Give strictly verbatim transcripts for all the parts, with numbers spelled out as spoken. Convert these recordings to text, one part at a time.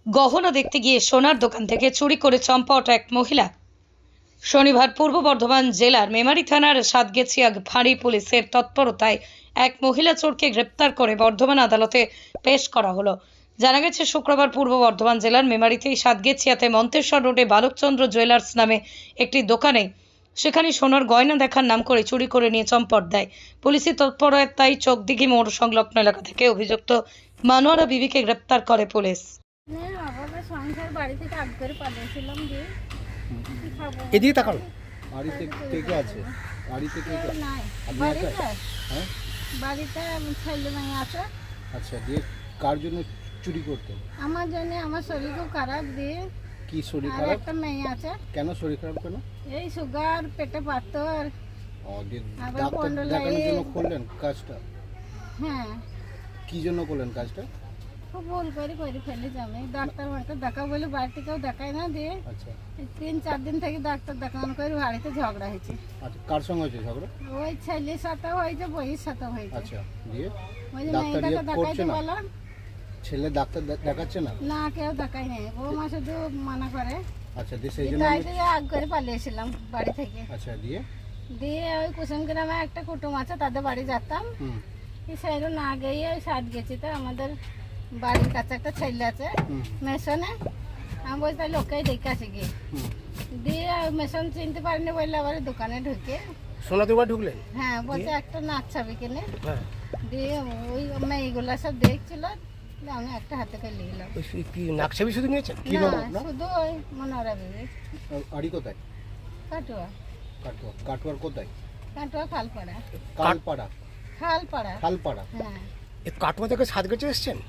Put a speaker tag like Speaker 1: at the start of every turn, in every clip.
Speaker 1: গহনা দেখতে গিয়ে সোনার দোকান থেকে চুরি করে চম্পট এক মহিলা। শনিবার পূর্ব বর্ধমান জেলার মেমারি থানার সাতগেছিয়া ফাঁড়ি পুলিশের তৎপরতায় এক মহিলা চোরকে গ্রেপ্তার করে বর্ধমান আদালতে পেশ করা হলো। জানা গেছে, শুক্রবার পূর্ব বর্ধমান জেলার মেমারিতেই সাতগেছিয়াতে মন্তেশ্বর রোডে বালকচন্দ্র জুয়েলার্স নামে একটি দোকানে সেখানে সোনার গয়না দেখার নাম করে চুরি করে নিয়ে চম্পট দেয়। পুলিশের তৎপরতায় চোখদিঘি মোড় সংলগ্ন এলাকা থেকে অভিযুক্ত মানোয়ারা বিবিকে গ্রেপ্তার করে পুলিশ।
Speaker 2: সংসার বাড়ি থেকে আগ করে পাঠিয়েছিলাম যে কি খাবো।
Speaker 3: এদিকে তাকালো।
Speaker 4: বাড়িতে কে কে আছে? বাড়িতে কে কে?
Speaker 2: নাই
Speaker 4: আপনি
Speaker 2: বাড়িতে
Speaker 4: একা? হ্যাঁ,
Speaker 2: বাড়িতে ছেলে মেয়ে আছে।
Speaker 4: আচ্ছা, দিয়ে কার জন্য চুরি করতে?
Speaker 2: আমার জন্য আমার শরীর খুব খারাপ দিয়ে
Speaker 4: কি শরীর
Speaker 2: আর
Speaker 4: খারাপ?
Speaker 2: একটা মেয়ে আছে।
Speaker 4: কেন শরীর খারাপ কেন?
Speaker 2: এই সুগার, পেটে পাথর।
Speaker 4: ও, দিয়ে
Speaker 2: আবার
Speaker 4: ডাক্তার
Speaker 2: পন্ডলাইট।
Speaker 4: দেখানোর জন্য করলেন কাজটা?
Speaker 2: হ্যাঁ,
Speaker 4: কি জন্য করলেন কাজটা?
Speaker 2: খুব ভুল করে করে ফেলেছি আমি। ডাক্তার মাকে দেখা বলে বাড়িতে কেউ দেখায় না দিয়ে
Speaker 4: আচ্ছা
Speaker 2: এই তিন চার দিন থেকে ডাক্তার দেখানো করে বাড়িতে ঝগড়া হয়েছে।
Speaker 4: আচ্ছা, কার সঙ্গে হয়েছে ঝগড়া?
Speaker 2: ওই ছেলের সাথে হয়েছে, বইয়ের সাথে হয়েছে।
Speaker 4: আচ্ছা, দিয়ে
Speaker 2: ওই যে
Speaker 4: ডাক্তার
Speaker 2: মেয়েটাকে
Speaker 4: ইয়ে করছে
Speaker 2: দেখাইতে
Speaker 4: না?
Speaker 2: বললাম,
Speaker 4: ছেলে ডাক্তার দে- দেখাচ্ছে না?
Speaker 2: না কেউ দেখাই নাই। বৌমা শুধু মানা করে।
Speaker 4: আচ্ছা, দিয়ে সেই জন্য
Speaker 2: তাই থেকে আগ করে পালিয়েছিলাম বাড়ি থেকে।
Speaker 4: আচ্ছা, দিয়ে
Speaker 2: দিয়ে ওই কুসুম গ্রামে একটা কুটুম আছে, তাদের বাড়ি যেতাম।
Speaker 4: হুম
Speaker 2: এই সাইডে না গিয়ে ওই সাইড গেছি, তো আমাদের বাড়ির কাছে একটা ছেলে আছে
Speaker 4: হুম
Speaker 2: মেশনে। আমি বলছি তাই লোককেই দেখে আসি গিয়ে।
Speaker 4: হুম
Speaker 2: দিয়ে মেশন চিনতে পারিনি বললে আবার দোকানে ঢুকে,
Speaker 3: সোনা দুবার ঢুকলেন?
Speaker 2: হ্যাঁ বলছে একটা নাচ ছবি কিনে।
Speaker 3: হ্যাঁ।
Speaker 2: দিয়ে ওই মেয়েগুলো সব দেখছিল, দিয়ে আমি একটা হাতে করে নিলাম।
Speaker 3: ওই সু- কি নাকছাবি শুধু নিয়েছেন?
Speaker 4: কি নাম
Speaker 2: না,
Speaker 4: আপনার?
Speaker 2: শুধু ওই মনোরা বিবি
Speaker 4: বাড়ি কোথায়?
Speaker 2: কাটুয়া।
Speaker 4: কাটোয়া। কাটোয়ার কোথায়?
Speaker 2: কাটুয়া খালপাড়া।
Speaker 4: কালপাড়া।
Speaker 2: খালপাড়া,
Speaker 4: খালপাড়া।
Speaker 2: হ্যাঁ।
Speaker 3: এই কাটোয়া থেকে সাত গেছে এসছেন?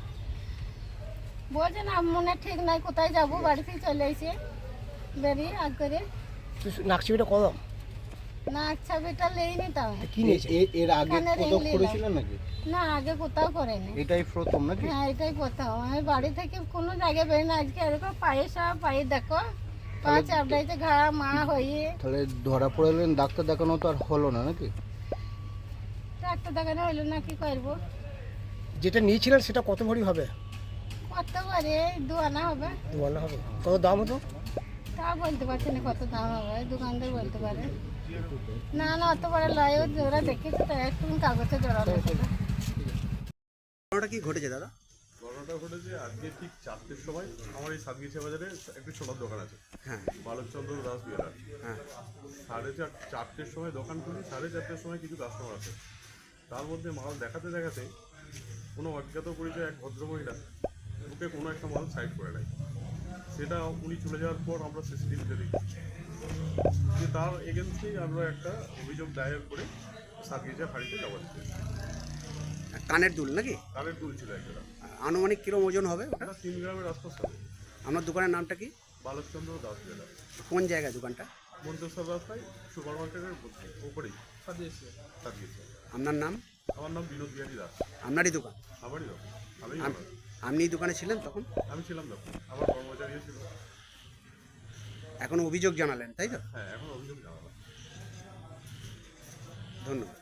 Speaker 2: বলছে না মনে ঠিক নাই কোথায় যাবো, বাড়ি থেকে চলে এসে বেরিয়ে আগ করে।
Speaker 3: তো নাকছাবিটা কদম
Speaker 2: না ছবিটা লেইনি তাও।
Speaker 3: কি নিয়েছে?
Speaker 4: এ- এর আগে
Speaker 2: কানের ring
Speaker 4: কোথাও
Speaker 2: নিলাম।
Speaker 4: করেছিলেন নাকি?
Speaker 2: না আগে কোথাও করেনি।
Speaker 4: এটাই প্রথম নাকি?
Speaker 2: হ্যাঁ এটাই কোথাও। আমি বাড়ি থেকে কোনো জায়গায় বেরোই না। আজকে এরকম পায়ে সব পায়ে দেখো পা চাপড়াইতে ঘা মা হয়ে।
Speaker 4: তাহলে ধরা পড়লেন, ডাক্তার দেখানো তো আর হলো না নাকি?
Speaker 2: ডাক্তার দেখানো হইলো না, কি করবো।
Speaker 3: যেটা নিয়েছিলেন সেটা কত ভরি হবে?
Speaker 2: কত করে দু আনা হবে।
Speaker 3: দু আনা হবে। কত দাম হতো?
Speaker 2: তা বলতে পারছি না কত দাম হবে, দোকানদার বলতে পারে। না না অত বড় লয়, ও জোড়া দেখেছি তো একটু কাগজে জোড়ানো ছিল।
Speaker 3: ঘটনাটা কি ঘটেছে দাদা?
Speaker 5: ঘটনাটা ঘটেছে আজকে ঠিক চারটের সময় আমার এই সাতগিছা বাজারে একটি সোনার দোকান আছে,
Speaker 3: হ্যাঁ
Speaker 5: বালকচন্দ্র দাস জুয়েলার।
Speaker 3: হ্যাঁ
Speaker 5: সাড়ে চার চারটের সময় দোকান খুলি, সাড়ে চারটের সময় কিছু কাস্টমার আছে। তার মধ্যে মাল দেখাতে দেখাতে কোনো অজ্ঞাত পরিচয় এক ভদ্রমহিলা ওকে কোনো একটা মাল সাইড করে নেয়। সেটা উনি চলে যাওয়ার পর আমরা সিসিটিভিতে দেখি যে তার এগেনস্টেই আমরা একটা অভিযোগ দায়ের করে সাতগিছা ফাঁড়িতে জমা দিতে।
Speaker 3: কানের দুল নাকি?
Speaker 5: কানের দুল ছিল একটা,
Speaker 3: আনুমানিক কিরম ওজন হবে ওটা?
Speaker 5: এটা তিন গ্রামের আশপাশ হবে।
Speaker 3: আপনার দোকানের নামটা কি?
Speaker 5: বালকচন্দ্র দাস জুয়েলার,
Speaker 3: কোন জায়গায় দোকানটা?
Speaker 5: মন্তেশ্বর রাস্তায় সুপার মার্কেটের উপরেই সাজিয়েছে সাজিয়েছে।
Speaker 3: আপনার নাম?
Speaker 5: আমার নাম বিনোদ বিহারী দাস।
Speaker 3: আপনারই দোকান?
Speaker 5: আমারই দোকান, আমি
Speaker 3: আপ- আপনি এই দোকানে ছিলেন তখন?
Speaker 5: আমি ছিলাম দোকান, আমার কর্মচারীও ছিল।
Speaker 3: এখন অভিযোগ জানালেন তাই তো?
Speaker 5: হ্যাঁ, এখন অভিযোগ জানালাম।
Speaker 3: ধন্যবাদ।